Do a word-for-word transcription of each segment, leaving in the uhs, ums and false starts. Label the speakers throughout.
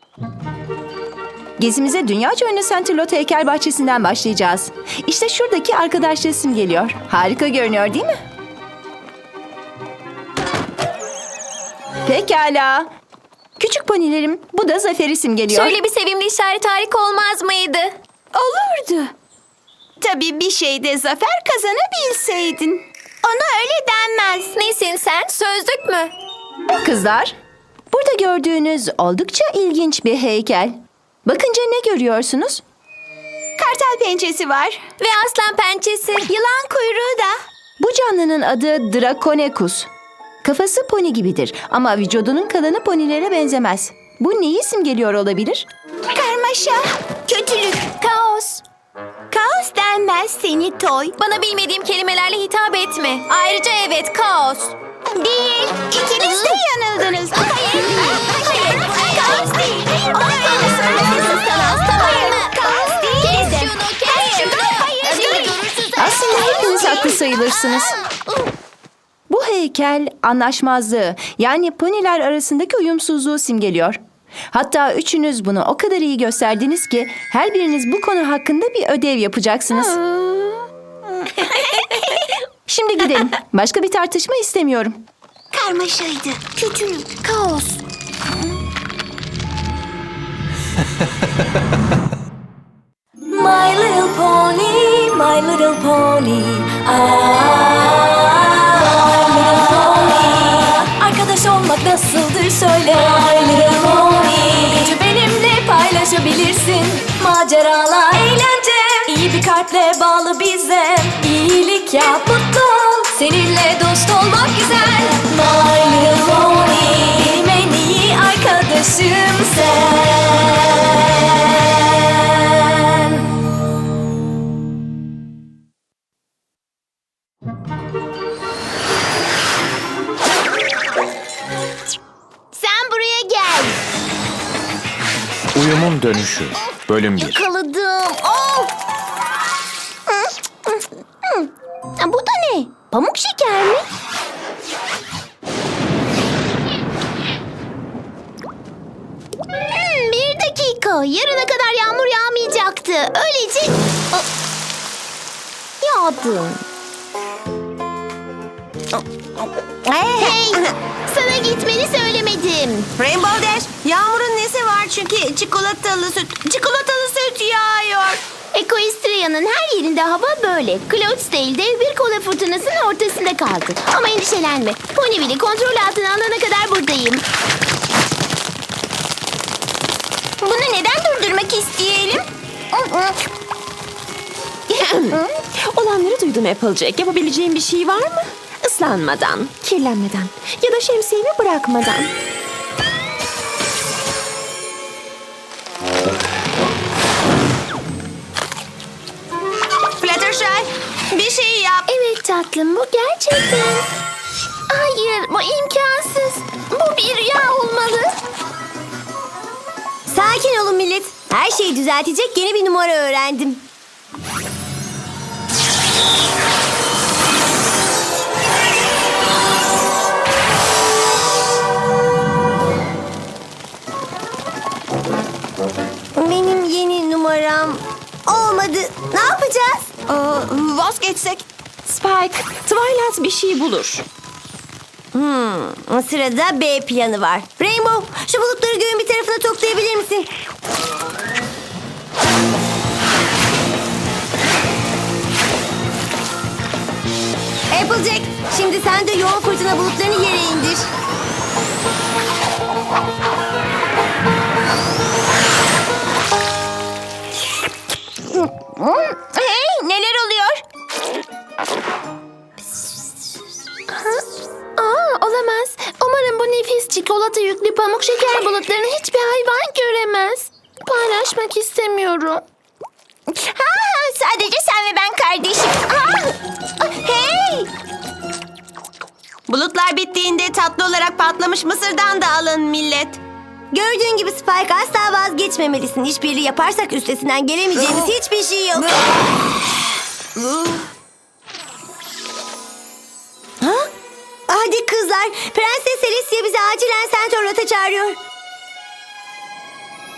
Speaker 1: Gezimize dünyaca ünlü Saint-Elot heykel bahçesinden başlayacağız. İşte şuradaki arkadaş resim geliyor. Harika görünüyor değil mi? Pekala. Küçük ponilerim, bu da Zafer'i simgeliyor.
Speaker 2: Şöyle bir sevimli işaret harika olmaz mıydı?
Speaker 3: Olurdu. Tabii bir şeyde zafer kazanabilseydin. Ona öyle denmez.
Speaker 2: Nesin sen? Sözlük mü?
Speaker 1: Kızlar, burada gördüğünüz oldukça ilginç bir heykel. Bakınca ne görüyorsunuz?
Speaker 3: Kartal pençesi var.
Speaker 2: Ve aslan pençesi.
Speaker 3: Yılan kuyruğu da.
Speaker 1: Bu canlının adı Draconecus. Kafası poni gibidir ama vücudunun kalanı ponilere benzemez. Bu neyi simgeliyor olabilir?
Speaker 3: Karmaşa, kötülük,
Speaker 2: Kaos.
Speaker 3: kaos denmez seni toy.
Speaker 2: Bana bilmediğim kelimelerle hitap etme. Ayrıca evet, kaos.
Speaker 3: Değil, ikiniz de yanıldınız. Hayır, hayır, kaos değil. Ona öyle söylemesin sana.
Speaker 2: Tamam mı?
Speaker 3: Kaos değil.
Speaker 2: Kes şunu, kes şunu.
Speaker 3: Hayır,
Speaker 1: Aslında hepiniz haklı sayılırsınız. Bu heykel anlaşmazlığı, yani poniler arasındaki uyumsuzluğu simgeliyor. Hatta üçünüz bunu o kadar iyi gösterdiniz ki her biriniz bu konu hakkında bir ödev yapacaksınız. Şimdi gidelim. Başka bir tartışma istemiyorum.
Speaker 3: Karmaşaydı, kötülük, kaos.
Speaker 2: My little pony, my little pony. Arkadaş olmak nasıldır söyle. My little pony. Gücü benimle paylaşabilirsin. Maceralar, eğlence. İyi bir kalple bağlı bize. İyilik yap, mutlu ol. Seninle dost olmak güzel. My little pony. Benim en iyi arkadaşım sen.
Speaker 3: Sen buraya gel.
Speaker 4: Uyumun Dönüşü Bölüm bir.
Speaker 3: Yakaladım. Oh! Bu da ne? Pamuk şeker mi? Hmm, bir dakika. Yarına kadar yağmur yağmayacaktı. Öylece... Oh! Yağdı. Hey! Sana gitmeni söylemedim.
Speaker 5: Rainbow Dash, Yağmur'un nesi var çünkü çikolatalı süt, çikolatalı süt yağıyor.
Speaker 3: Equestria'nın her yerinde hava böyle. Cloudsdale dev bir kola fırtınasının ortasında kaldı. Ama endişelenme. Ponyville'i kontrol altına alana kadar buradayım. Bunu neden durdurmak isteyelim?
Speaker 6: Olanları duydum Applejack. Yapabileceğim bir şey var mı? Islanmadan, kirlenmeden ya da şemsiyemi bırakmadan.
Speaker 5: Fluttershy, bir şey yap.
Speaker 3: Evet tatlım, bu gerçekten... Hayır, bu imkansız. Bu bir rüya olmalı.
Speaker 5: Sakin olun millet. Her şeyi düzeltecek yeni bir numara öğrendim. Benim yeni numaram olmadı. Ne yapacağız?
Speaker 6: Vazgeçsek. Spike, Twilight bir şey bulur.
Speaker 5: Hmm, sırada B planı var. Rainbow, şu bulutları göğün bir tarafına toplayabilir misin? Applejack, şimdi sen de yoğun fırtına bulutlarını yere indir.
Speaker 3: Hey, neler oluyor? Aa, olamaz. Umarım bu nefis çikolata yüklü pamuk şeker bulutlarını hiçbir hayvan göremez. Paylaşmak istemiyorum. Ha, sadece sen ve ben kardeşim. Aa, hey!
Speaker 5: Bulutlar bittiğinde tatlı olarak patlamış mısırdan da alın millet. Gördüğün gibi Spike, asla vazgeçmemelisin. İşbirliği yaparsak üstesinden gelemeyeceğimiz hiçbir şey yok. Ha? Hadi kızlar, Prenses Alicia bizi acilen Saint-Elot'a çağırıyor.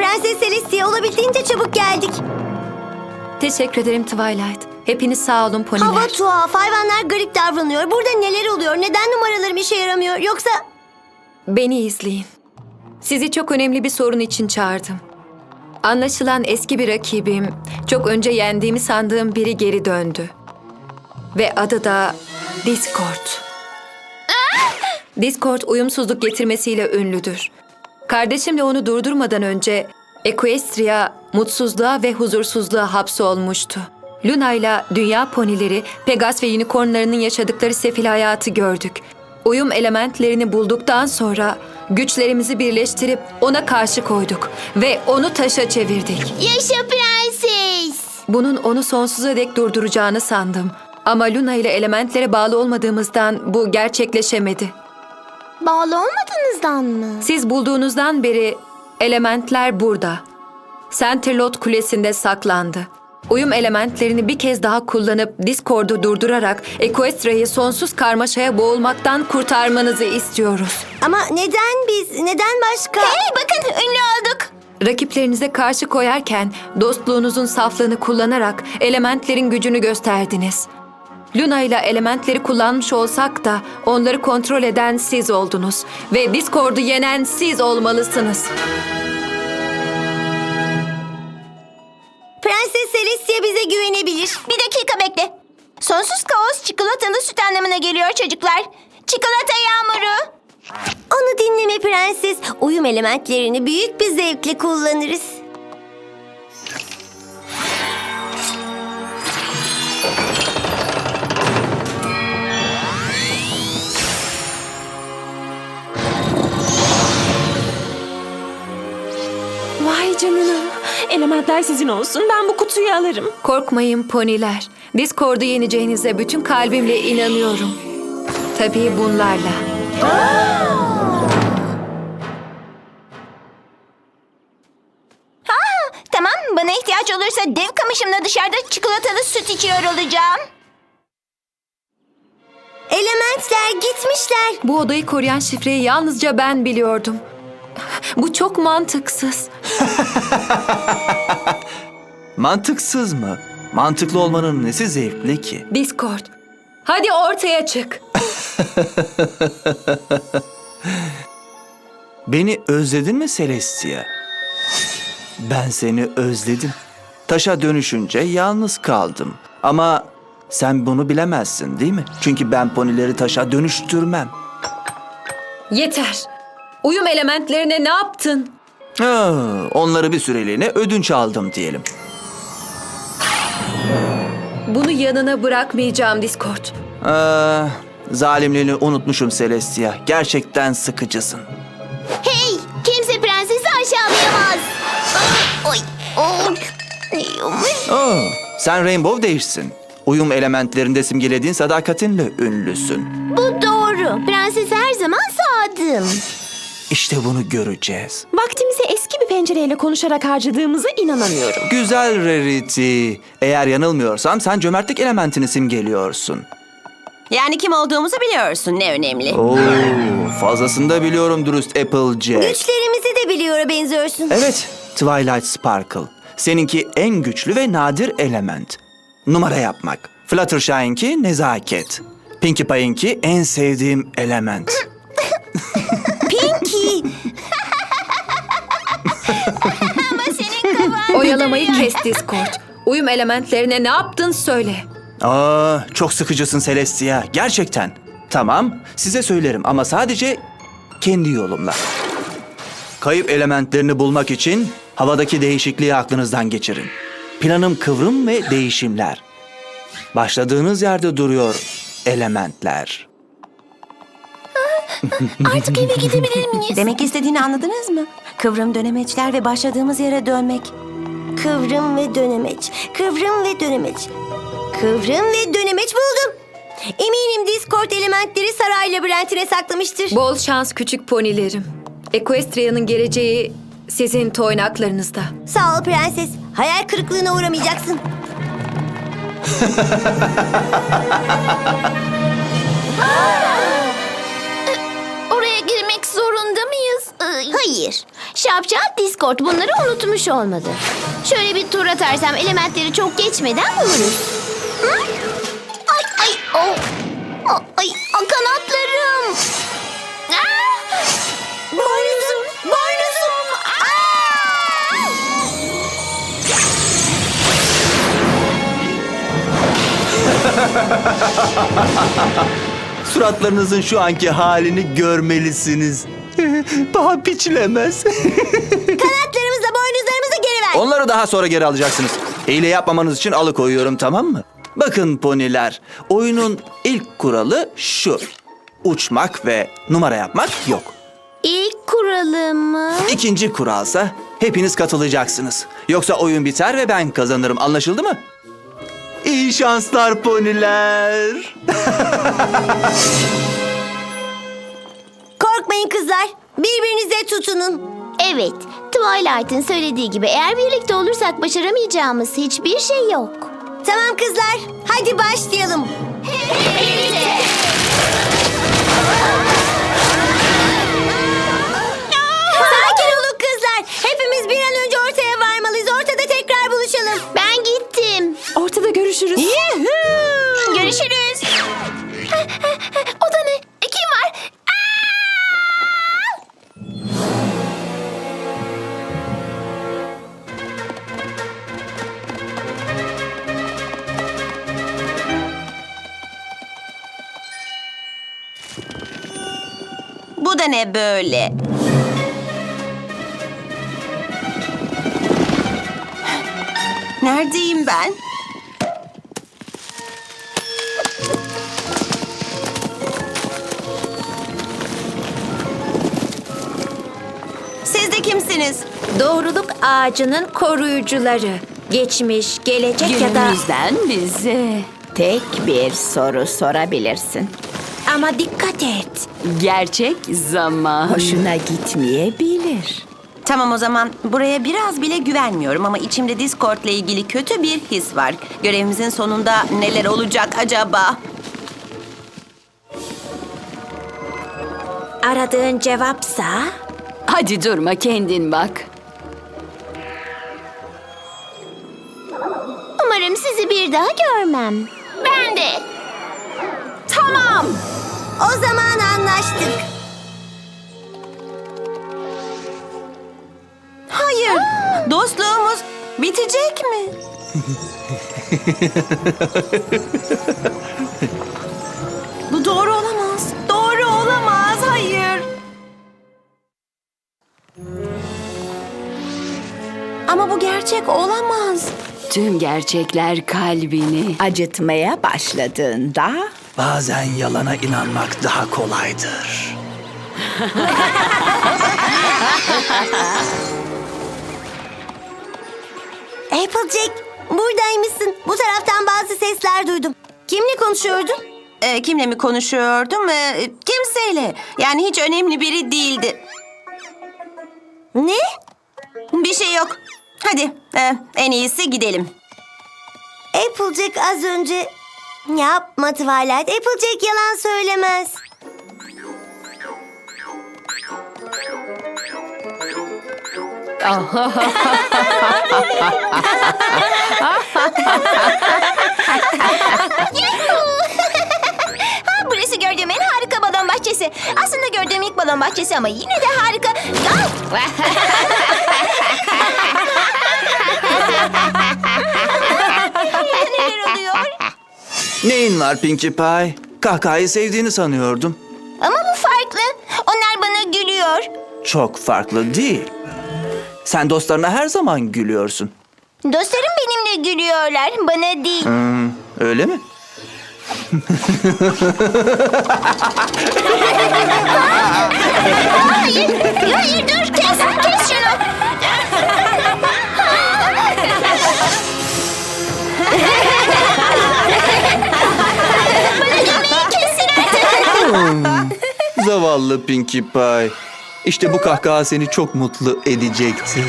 Speaker 5: Prenses Celestia, olabildiğince çabuk geldik.
Speaker 1: Teşekkür ederim Twilight. Hepiniz sağ olun poniler.
Speaker 5: Hava tuhaf, hayvanlar garip davranıyor. Burada neler oluyor? Neden numaralarım işe yaramıyor? Yoksa...
Speaker 1: Beni izleyin. Sizi çok önemli bir sorun için çağırdım. Anlaşılan eski bir rakibim, çok önce yendiğimi sandığım biri geri döndü. Ve adı da Discord. Discord uyumsuzluk getirmesiyle ünlüdür. Kardeşimle onu durdurmadan önce Equestria mutsuzluğa ve huzursuzluğa hapsolmuştu. Luna ile dünya ponileri, Pegas ve unicornlarının yaşadıkları sefil hayatı gördük. Uyum elementlerini bulduktan sonra güçlerimizi birleştirip ona karşı koyduk ve onu taşa çevirdik.
Speaker 3: Yaşa prenses.
Speaker 1: Bunun onu sonsuza dek durduracağını sandım. Ama Luna ile elementlere bağlı olmadığımızdan bu gerçekleşemedi.
Speaker 3: Bağlı olmadığınızdan mı?
Speaker 1: Siz bulduğunuzdan beri elementler burada. Centerlot Kulesi'nde saklandı. Uyum elementlerini bir kez daha kullanıp Discord'u durdurarak Equestria'yı sonsuz karmaşaya boğulmaktan kurtarmanızı istiyoruz.
Speaker 5: Ama neden biz? Neden başka?
Speaker 3: Hey bakın ünlü olduk.
Speaker 1: Rakiplerinize karşı koyarken dostluğunuzun saflığını kullanarak elementlerin gücünü gösterdiniz. Luna ile elementleri kullanmış olsak da onları kontrol eden siz oldunuz ve Discord'u yenen siz olmalısınız.
Speaker 5: Prenses Celestia bize güvenebilir.
Speaker 3: Bir dakika bekle. Sonsuz kaos çikolatalı süt anlamına geliyor çocuklar. Çikolata yağmuru.
Speaker 5: Onu dinleme prenses. Uyum elementlerini büyük bir zevkle kullanırız.
Speaker 6: Vay canına. Elementler sizin olsun. Ben bu kutuyu alırım.
Speaker 1: Korkmayın poniler. Discord'u yeneceğinize bütün kalbimle inanıyorum. Tabii bunlarla.
Speaker 3: Tamam, bana ihtiyaç olursa dev kamışımla dışarıda çikolatalı süt içiyor olacağım.
Speaker 5: Elementler gitmişler.
Speaker 1: Bu odayı koruyan şifreyi yalnızca ben biliyordum. Bu çok mantıksız.
Speaker 7: Mantıksız mı? Mantıklı olmanın nesi zevkli ki?
Speaker 1: Discord, hadi ortaya çık.
Speaker 7: Beni özledin mi Celestia? Ben seni özledim. Taşa dönüşünce yalnız kaldım. Ama sen bunu bilemezsin değil mi? Çünkü ben ponileri taşa dönüştürmem.
Speaker 1: Yeter. Uyum elementlerine ne yaptın?
Speaker 7: Ha, onları bir süreliğine ödünç aldım diyelim.
Speaker 1: Bunu yanına bırakmayacağım Discord.
Speaker 7: Aa, zalimliğini unutmuşum Celestia. Gerçekten sıkıcısın.
Speaker 3: Hey, kimse prensesi aşağılayamaz. Oy, oy.
Speaker 7: Aa, sen Rainbow değilsin. Uyum elementlerinde simgelediğin sadakatinle ünlüsün.
Speaker 3: Bu doğru. Prensese her zaman sadım.
Speaker 7: İşte bunu göreceğiz.
Speaker 6: Vaktimizi eski bir pencereyle konuşarak harcadığımıza inanamıyorum.
Speaker 7: Güzel Rarity. Eğer yanılmıyorsam sen cömertlik elementini simgeliyorsun.
Speaker 5: Yani kim olduğumuzu biliyorsun, ne önemli.
Speaker 7: Oo, fazlasını da biliyorum dürüst Applejack.
Speaker 5: Güçlerimizi de biliyor benziyorsun.
Speaker 7: Evet, Twilight Sparkle. Seninki en güçlü ve nadir element. Numara yapmak. Fluttershy'inki nezaket. Pinkie Pie'inki en sevdiğim element.
Speaker 5: Pinky.
Speaker 1: Oyalamayı kes Discord. Uyum elementlerine ne yaptın söyle.
Speaker 7: Aa, çok sıkıcısın Celestia. Gerçekten. Tamam, size söylerim ama sadece kendi yolumla. Kayıp elementlerini bulmak için havadaki değişikliği aklınızdan geçirin. Planım kıvrım ve değişimler. Başladığınız yerde duruyor elementler.
Speaker 3: Artık eve gidebilir miyiz?
Speaker 5: Demek istediğini anladınız mı? Kıvrım dönemeçler ve başladığımız yere dönmek. Kıvrım ve dönemeç. Kıvrım ve dönemeç. Kıvrım ve dönemeç buldum. Eminim Discord elementleri saray labirentine saklamıştır.
Speaker 1: Bol şans küçük ponilerim. Equestria'nın geleceği sizin toynaklarınızda.
Speaker 5: Sağ ol prenses. Hayal kırıklığına uğramayacaksın.
Speaker 3: Oraya girmek zorunda mıyız?
Speaker 5: Hayır.
Speaker 3: Şapşal Discord bunları unutmuş olmalı. Şöyle bir tur atarsam elementleri çok geçmeden buluruz. Hı? Ay ay oh. Oh, ay ah, kanatlarım. Aa!
Speaker 5: Boynuzum, boynuzum.
Speaker 7: Suratlarınızın şu anki halini görmelisiniz. Paha biçilemez.
Speaker 5: Kanatlarımızla boynuzlarımızı geri ver.
Speaker 7: Onları daha sonra geri alacaksınız. Hile yapmamanız için alıkoyuyorum, tamam mı? Bakın poniler, oyunun ilk kuralı şu. Uçmak ve numara yapmak yok.
Speaker 3: İlk kuralımı.
Speaker 7: İkinci kuralsa hepiniz katılacaksınız. Yoksa oyun biter ve ben kazanırım. Anlaşıldı mı? İyi şanslar poniler.
Speaker 5: Korkmayın kızlar. Birbirinize tutunun.
Speaker 3: Evet, Twilight'ın söylediği gibi eğer birlikte olursak başaramayacağımız hiçbir şey yok.
Speaker 5: Tamam kızlar. Hadi başlayalım. Sakin olun kızlar. Hepimiz bir an önce ortaya varmalıyız. Ortada tekrar buluşalım.
Speaker 3: Ben gittim.
Speaker 6: Ortada görüşürüz.
Speaker 3: Görüşürüz. O da ne? E, kim var?
Speaker 5: Bu da ne böyle? Neredeyim ben? Siz de kimsiniz?
Speaker 8: Doğruluk ağacının koruyucuları. Geçmiş, gelecek ya da...
Speaker 1: Günümüzden bize tek bir soru sorabilirsin.
Speaker 8: Ama dikkat et.
Speaker 1: Gerçek zaman hoşuna gitmeyebilir.
Speaker 5: Tamam o zaman buraya biraz bile güvenmiyorum ama içimde Discord'la ilgili kötü bir his var. Görevimizin sonunda neler olacak acaba?
Speaker 8: Aradığın cevapsa...
Speaker 1: Hadi durma, kendin bak.
Speaker 3: Umarım sizi bir daha görmem. Ben de.
Speaker 5: Tamam. O zaman anlaştık. Hayır. Dostluğumuz bitecek mi? Bu doğru olamaz. Doğru olamaz. Hayır. Ama bu gerçek olamaz.
Speaker 1: Tüm gerçekler kalbini acıtmaya başladığında
Speaker 7: Bazen yalana inanmak daha kolaydır.
Speaker 5: Applejack, buradaymışsın. Bu taraftan bazı sesler duydum. Kimle konuşuyordun? Ee, kimle mi konuşuyordum? Ee, kimseyle. Yani hiç önemli biri değildi. Ne? Bir şey yok. Hadi, e, en iyisi gidelim. Applejack az önce... Yapma Twilight. Applejack yalan söylemez.
Speaker 3: Ha, burası gördüğüm en harika balon bahçesi. Aslında gördüğüm ilk balon bahçesi ama yine de harika. Ah! Neler oluyor?
Speaker 7: Neyin var Pinkie Pie? Kahkahayı sevdiğini sanıyordum.
Speaker 3: Ama bu farklı. Onlar bana gülüyor.
Speaker 7: Çok farklı değil. Sen dostlarına her zaman gülüyorsun.
Speaker 3: Dostlarım benimle gülüyorlar. Bana değil.
Speaker 7: Hmm, öyle mi?
Speaker 3: Hayır. Hayır dur. Kes, kes şunu. Bana gülmeyi kesin artık.
Speaker 7: Zavallı Pinkie Pie. İşte bu kahkaha seni çok mutlu edecektir.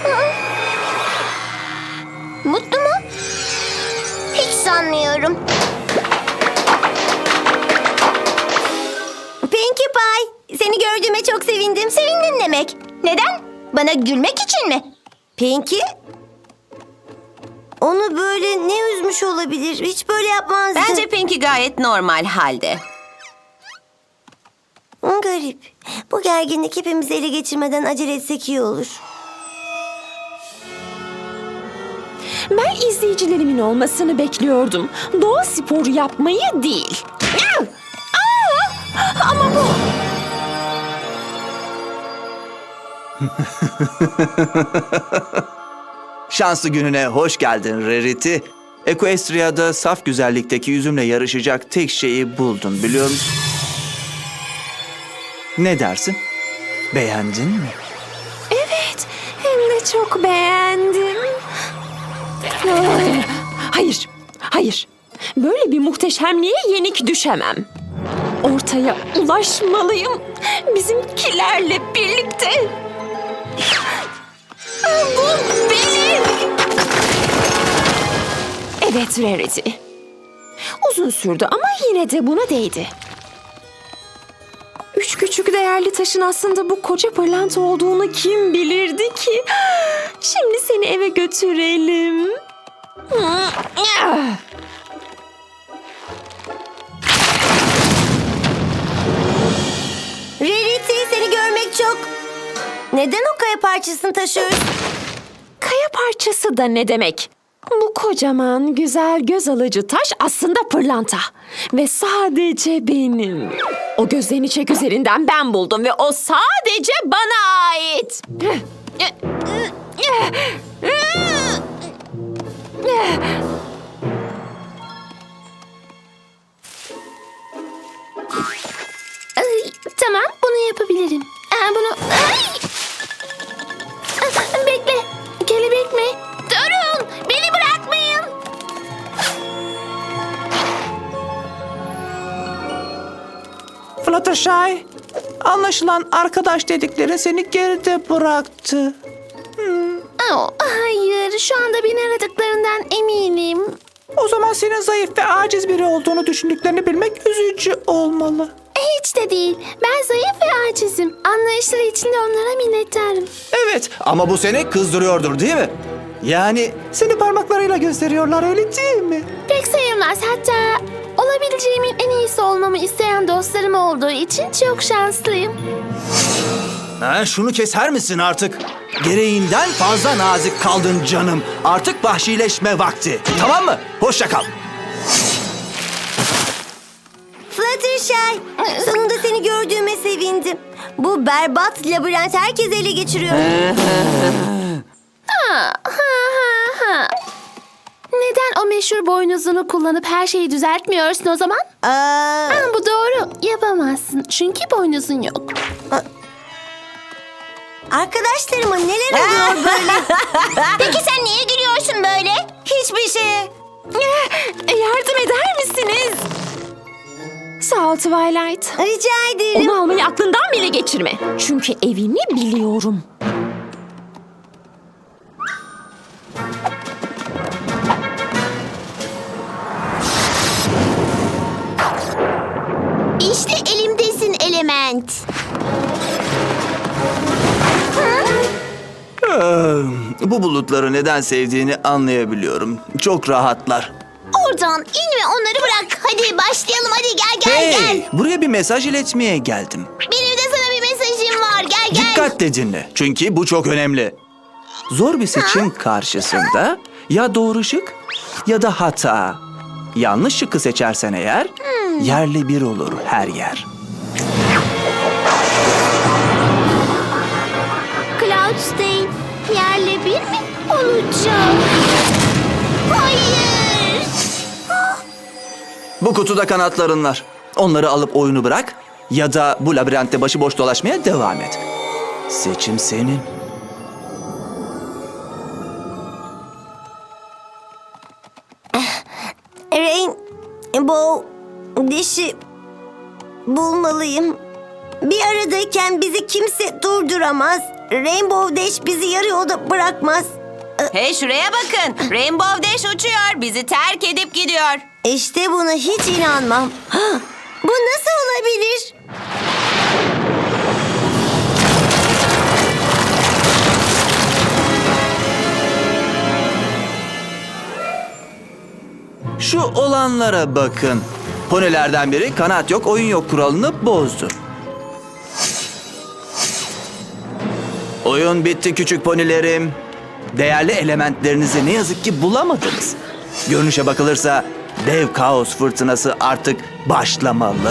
Speaker 3: Mutlu mu? Hiç sanmıyorum.
Speaker 5: Pinkie Pie, seni gördüğüme çok sevindim.
Speaker 3: Sevindin demek. Neden? Bana gülmek için mi?
Speaker 5: Pinky? Onu böyle ne üzmüş olabilir? Hiç böyle yapmazdı.
Speaker 9: Bence Pinky gayet normal halde.
Speaker 5: Hı, garip. Bu gerginlik hepimizi ele geçirmeden acele etsek iyi olur.
Speaker 6: Ben izleyicilerimin olmasını bekliyordum. Doğa sporu yapmayı değil. Aa! Ama bu...
Speaker 7: Şanslı gününe hoş geldin Rarity. Equestria'da saf güzellikteki yüzümle yarışacak tek şeyi buldun biliyor musun? Ne dersin? Beğendin mi?
Speaker 6: Evet, hem de çok beğendim. Ay, Hayır, hayır. Böyle bir muhteşemliğe yenik düşemem. Ortaya ulaşmalıyım. Bizimkilerle birlikte. Bu benim. Evet Rarity. Uzun sürdü ama yine de buna değdi. Üç küçük değerli taşın aslında bu koca pırlanta olduğunu kim bilirdi ki? Şimdi seni eve götürelim.
Speaker 5: Rarity, seni görmek çok... Neden o kaya parçasını taşıyoruz?
Speaker 6: Kaya parçası da ne demek? Bu kocaman, güzel, göz alıcı taş aslında pırlanta. Ve sadece benim. O gözlerini çek üzerinden ben buldum ve o sadece bana ait.
Speaker 3: Ay, tamam, bunu yapabilirim. Aa, bunu... Ay! Ah, bekle. Kelebek mi? Durun! Beni bırakmayın.
Speaker 7: Fluttershy, anlaşılan arkadaş dedikleri seni geride bıraktı.
Speaker 3: Oh, hayır, şu anda beni aradıklarından eminim.
Speaker 7: O zaman senin zayıf ve aciz biri olduğunu düşündüklerini bilmek üzücü olmalı.
Speaker 3: Hiç de değil. Ben zayıf ve acizim. Anlayışları için de onlara minnettarım.
Speaker 7: Evet, ama bu seni kızdırıyordur değil mi? Yani seni parmaklarıyla gösteriyorlar öyle değil mi?
Speaker 3: Pek sayılmaz. Hatta olabileceğimin en iyisi olmamı isteyen dostlarım olduğu için çok şanslıyım.
Speaker 7: Ha, şunu keser misin artık? Gereğinden fazla nazik kaldın canım. Artık vahşileşme vakti. Tamam mı? Hoşça kal.
Speaker 5: Fluttershy, sonunda seni gördüğüme sevindim. Bu berbat labirent herkesi ele geçiriyor.
Speaker 3: Ha, ha, ha, ha. Neden o meşhur boynuzunu kullanıp her şeyi düzeltmiyorsun o zaman?
Speaker 5: Aa,
Speaker 3: Ha, bu doğru. Yapamazsın. Çünkü boynuzun yok.
Speaker 5: arkadaşlarıma neler oluyor böyle?
Speaker 3: Peki sen niye gülüyorsun böyle?
Speaker 5: Hiçbir şey.
Speaker 6: Yardım eder misiniz? Sağ ol Twilight.
Speaker 5: Rica ederim.
Speaker 6: Onu almayı aklından bile geçirme. Çünkü evini biliyorum.
Speaker 3: İşte elimdesin element.
Speaker 7: Ee, bu bulutları neden sevdiğini anlayabiliyorum. Çok rahatlar.
Speaker 3: Oradan in ve onları bırak. Hadi başlayalım. Hadi gel gel
Speaker 7: Hey,
Speaker 3: gel.
Speaker 7: buraya bir mesaj iletmeye geldim.
Speaker 3: Benim de sana bir mesajım var. Gel gel.
Speaker 7: Dikkatle dinle. Çünkü bu çok önemli. Zor bir seçim karşısında ya doğru şık ya da hata. Yanlış şıkkı seçersen eğer yerli bir olur her yer.
Speaker 3: Cloudstein yerle bir mi olacak? Hayır.
Speaker 7: Bu kutuda kanatların var. Onları alıp oyunu bırak ya da bu labirentte başıboş dolaşmaya devam et. Seçim senin.
Speaker 5: Rainbow dişi bulmalıyım. Bir aradayken bizi kimse durduramaz. Rainbow Dash bizi yarı yolda bırakmaz.
Speaker 9: Hey şuraya bakın. Rainbow Dash uçuyor. Bizi terk edip gidiyor.
Speaker 5: İşte buna hiç inanmam. Hah, bu nasıl olabilir?
Speaker 7: Şu olanlara bakın. Ponilerden biri kanat yok, oyun yok kuralını bozdu. Oyun bitti küçük ponilerim. Değerli elementlerinizi ne yazık ki bulamadınız. Görünüşe bakılırsa dev kaos fırtınası artık başlamalı.